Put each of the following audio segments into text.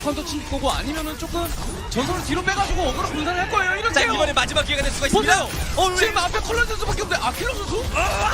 컨터 칠 거고 아니면은 조금 전선을 뒤로 빼가지고 어그로 분산을 할 거예요. 이런 자, 이번에 마지막 기회가 될 수가 있습니다. 보세요. 지금 앞에 컬러 선수밖에 없는데 킬러 선수?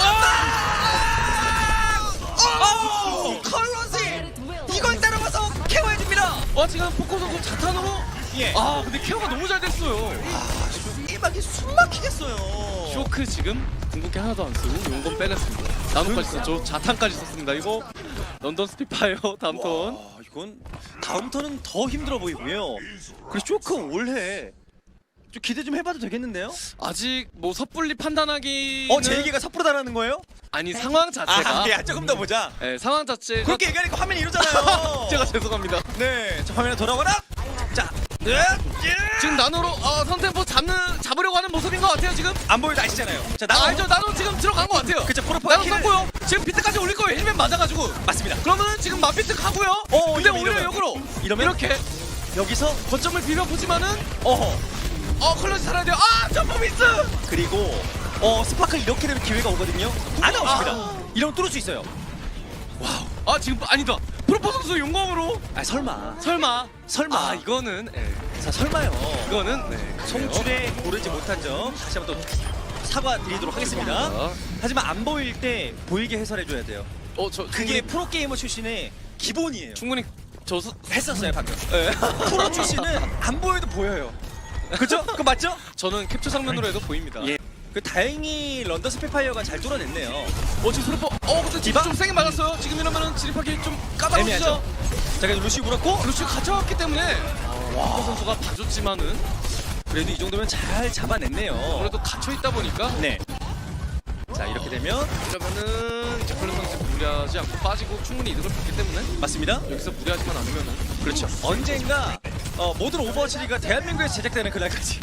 컬러지 이걸 따라와서 케어해줍니다. 지금 포코 선수 자탄으로 예. 근데 케어가 너무 잘 됐어요. 이막이 숨막히겠어요. 쇼크 지금 궁극기 하나도 안 쓰고 용건 빼냈습니다. 나노까지 썼죠. 자탄까지 썼습니다. 이거 런던 스피파이어 다음 턴. 와, 이건 다음 턴은 더 힘들어 보이고요. 그리고 쇼크 올해 좀 기대 좀 해봐도 되겠는데요? 아직 뭐 섣불리 판단하기. 제 얘기가 섣부로 달하는 거예요? 아니 상황 자체가. 조금 더 보자. 네, 상황 자체가. 그렇게 얘기하니까 화면이 이러잖아요. 제가 죄송합니다. 네, 자, 화면에 돌아와라. 자, 지금 나노로 선템포 잡으려고 하는 모습인 것 같아요 지금. 안 보여도 아시잖아요. 자, 나노. 알죠. 나노 지금 들어간 것 같아요. 그쵸, 프로파가 나노 킬을- 썼고요. 지금 비트까지 올릴 거예요. 힐맨 맞아가지고. 맞습니다. 그러면은 지금 맞비트 가고요. 근데 이러면, 오히려 이러면. 역으로 이러면? 이렇게 여기서 거점을 비벼보지만은 어허. 컬러지 살아야 돼요. 점프 미스. 그리고 스파클 이렇게 되면 기회가 오거든요. 안 나옵니다. 이러면 뚫을 수 있어요. 지금 아니다. 프로포 선수 용검으로. 설마. 설마. 이거는 자, 설마요. 이거는 네. 송출에 고르지 못한 점 다시 한번 또 사과드리도록 하겠습니다. 하지만 안 보일 때 보이게 해설해줘야 돼요. 그게 프로게이머 출신의 기본이에요. 충분히 했었어요 방금. 프로 출신은 안 보여도 보여요. 그죠? 그거 맞죠? 저는 캡처 장면으로 해도 보입니다. 예. 다행히 런던 스피파이어가 잘 뚫어냈네요. 지금 프로포 근데 디바? 좀 세게 맞았어요. 지금 이러면은 진입하기 좀 까다롭죠. 애매하죠. 자, 그래도 루시 물었고 루시 가져왔기 때문에 프로포 선수가 봐줬지만은 그래도 이 정도면 잘 잡아냈네요. 그래도 갇혀 있다 보니까 네. 자, 이렇게 되면 이러면은 이제 컬러 선수 무리하지 않고 빠지고 충분히 이득을 봤기 때문에 맞습니다. 여기서 무리하지만 않으면은 그렇죠. 언젠가 모든 오버워치가 대한민국에서 제작되는 그날까지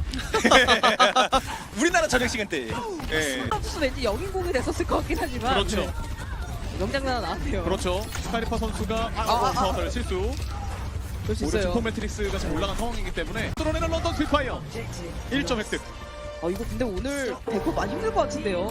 우리나라 저녁 시간대. 예. 선수 왠지 영인공이 됐었을 것 같긴 하지만 그렇죠. 명장난 나왔네요. 그렇죠. 스카이리파 선수가 실수. 그럴 수 오히려 있어요. 증폭 매트릭스가 지금 올라간 상황이기 때문에 뚫어내는 런던 스피파이어 1점 획득. 이거 근데 오늘 대포 많이 힘들 것 같은데요.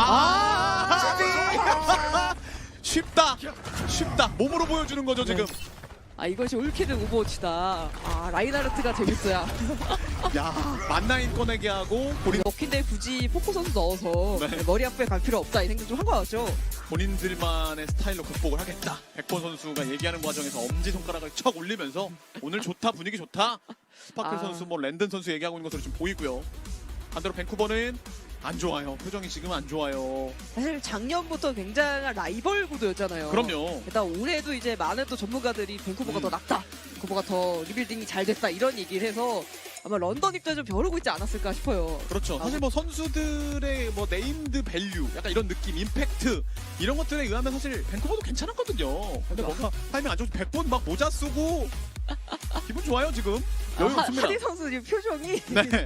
쉽다. 몸으로 보여주는 거죠 지금. 이것이 올킬은 오버워치다. 라인하르트가 재밌어야. 야, 만나인 꺼내기 하고 본인 먹힌데 굳이 포코 선수 넣어서 네. 머리 아프게 갈 필요 없다 이 생각 좀 한 것 같죠. 본인들만의 스타일로 극복을 하겠다. 백본 선수가 얘기하는 과정에서 엄지 손가락을 척 올리면서 오늘 좋다, 분위기 좋다. 스파클 선수, 랜든 선수 얘기하고 있는 것으로 좀 보이고요. 반대로 밴쿠버는 안 좋아요. 표정이 지금 안 좋아요. 사실 작년부터 굉장한 라이벌 구도였잖아요. 그럼요. 일단 올해도 이제 많은 또 전문가들이 밴쿠버가 더 낫다, 밴쿠버가 더 리빌딩이 잘 됐다 이런 얘기를 해서 아마 런던 입장에 좀 벼르고 있지 않았을까 싶어요. 그렇죠. 사실 선수들의 네임드 밸류, 약간 이런 느낌, 임팩트 이런 것들에 의하면 사실 밴쿠버도 괜찮았거든요. 근데 뭔가 타이밍 안 좋고 100번 막 모자 쓰고 기분 좋아요 지금. 여유 없습니다. 하디 선수 지금 표정이 네.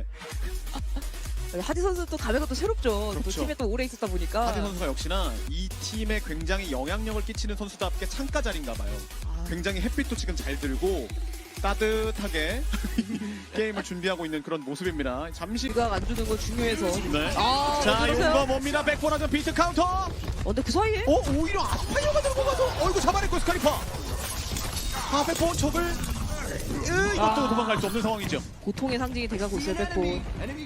하디 선수 또 감회가 또 새롭죠. 또 그렇죠. 팀에 또 오래 있었다 보니까. 하디 선수가 역시나 이 팀에 굉장히 영향력을 끼치는 선수답게 창가 자리인가 봐요. 굉장히 햇빛도 지금 잘 들고 따뜻하게 게임을 준비하고 있는 그런 모습입니다. 잠시 비각 안 주는 거 중요해서. 네. 자, 그러세요? 이거 뭡니다. 백보라전 비트 카운터. 근데 그 사이에 오히려 아스파이어가 들고 가서 이거 잡아냈고 스카리파. 백본 척을 이것도 도망갈 수 없는 상황이죠. 고통의 상징이 돼가고 있어요, 백본.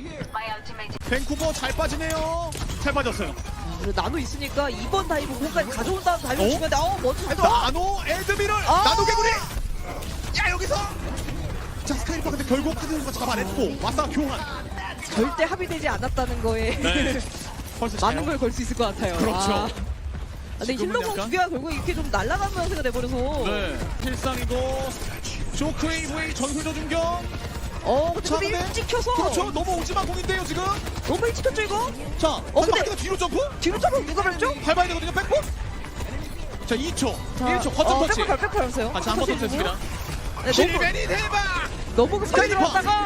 밴쿠버 잘 빠지네요. 잘 빠졌어요. 그리고 나노 있으니까 2번 다이브 공까지 가져온 다음 다이브 주면 돼. 먼저 잘 가. 나노 에드미럴 나노 개구리. 야, 여기서 자, 스카이파 근데 결국 하드 선수가 잡아냈고 마사 교환. 절대 합의되지 않았다는 거에 네. 벌써 많은 걸 걸 수 있을 것 같아요. 그렇죠. 근데 지금은 힐러공 약간- 두 개가 결국 이렇게 좀 날아가는 형태가 돼버려서. 네. 필상이고 쇼크웨이브의 전술 조준경. 근데 자, 너무 근데- 일찍 켜서. 그렇죠. 너무 오지마 공인데요 지금. 너무 일찍 켰죠 이거? 자, 근데- 마지막에 뒤로 점프. 뒤로 점프 누가 밟죠? 밟아야 되거든요. 백본. 자, 2초. 1초 거점 터치. 백볼 밟았어요. 다시 한번 터치했습니다. 네, 실베니 대박. 너무 급하게 스카이리퍼.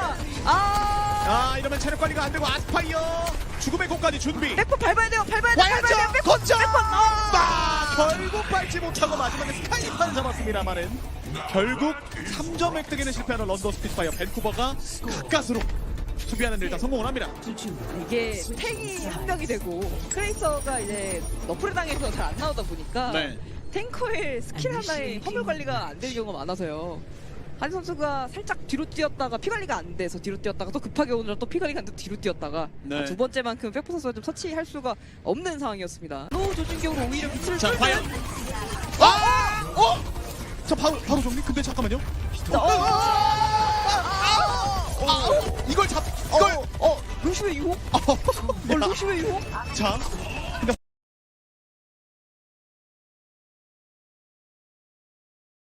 들어갔다가 이러면 체력 관리가 안 되고 아스파이어 죽음의 공까지 준비. 백볼 밟아야 돼요. 밟아야 와야죠. 돼요. 백볼. 거점. 백볼. 결국 밟지 못하고 마지막에 스카이파를 잡았습니다만은 결국 3점 획득에는 실패하는 런던 스피파이어 밴쿠버가 가까스로 수비하는 데 일단 성공을 합니다. 이게 탱이 한 명이 되고 크레이서가 이제 너프를 당해서 잘 안 나오다 보니까 네. 탱커의 스킬 하나에 화물 관리가 안 되는 경우가 많아서요. 한 선수가 살짝 뒤로 뛰었다가 피 관리가 안 돼서 뒤로 뛰었다가 또 급하게 오느라 또 피 관리가 안 돼서 뒤로 뛰었다가 네. 두 번째만큼 백포 선수가 좀 터치할 수가 없는 상황이었습니다. 또 조준경으로 오히려 빛을 자, 쏠 과연 때는 자, 바로 정리. 근데 잠깐만요. 이걸 루시오의 유혹? 루시오의 유혹? 자,